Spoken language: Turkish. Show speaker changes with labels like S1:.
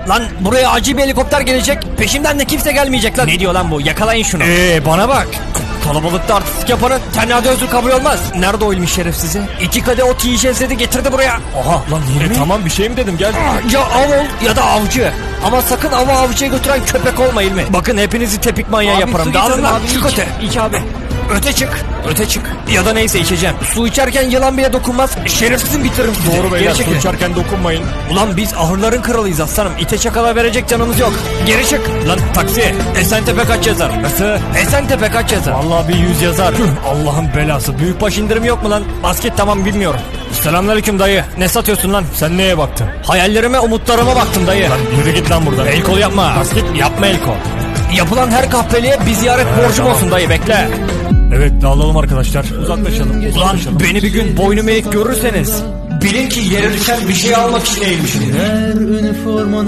S1: Lan buraya acil bir helikopter gelecek. Peşimden de kimse gelmeyecek lan.
S2: Ne diyor lan bu? Yakalayın şunu.
S1: Bana bak. Kalabalıkta artistik yapanın tenhada özür kabul olmaz.
S2: Nerede o ilmi şerefsizi?
S1: 2 kadeh ot yiyeceğiz dedi, getirdi buraya.
S2: Oha lan Hilmi.
S1: Tamam bir şey mi dedim, gel. Ya av ol ya da avcı. Ama sakın avı avcıya götüren köpek olma İlmi. Bakın hepinizi tepik manyağı yaparım. Dağılın lan, çık öte.
S2: İç abi.
S1: Öte çık.
S2: Öte çık.
S1: Ya da neyse, içeceğim. Su içerken yılan bile dokunmaz. Şerefsizim, bitiririm sizi.
S2: Doğru beyler,
S1: Geri çekilin.
S2: su içerken dokunmayın.
S1: Ulan biz ahırların kralıyız aslanım. İte çakala verecek canımız yok. Geri çık. Lan taksi. Esentepe kaç yazar?
S2: Nasıl?
S1: Esentepe kaç yazar?
S2: Vallahi bir 100 yazar.
S1: Allah'ın belası. Büyükbaş indirim yok mu lan? Basket tamam, bilmiyorum. Selamünaleyküm dayı. Ne satıyorsun lan?
S2: Sen neye baktın?
S1: Hayallerime, umutlarıma baktım dayı.
S2: Lan yürü git lan buradan.
S1: El kol yapma.
S2: Basket
S1: Yapma el kol. Yapılan her kahpeliğe bir ziyaret borcum
S2: tamam.
S1: olsun dayı, bekle.
S2: Evet, dağılalım arkadaşlar. Uzaklaşalım.
S1: Ulan
S2: Uzaklaşalım.
S1: beni bir gün boynum eğik görürseniz bilin ki yere düşen bir şey almak için eğilmişim.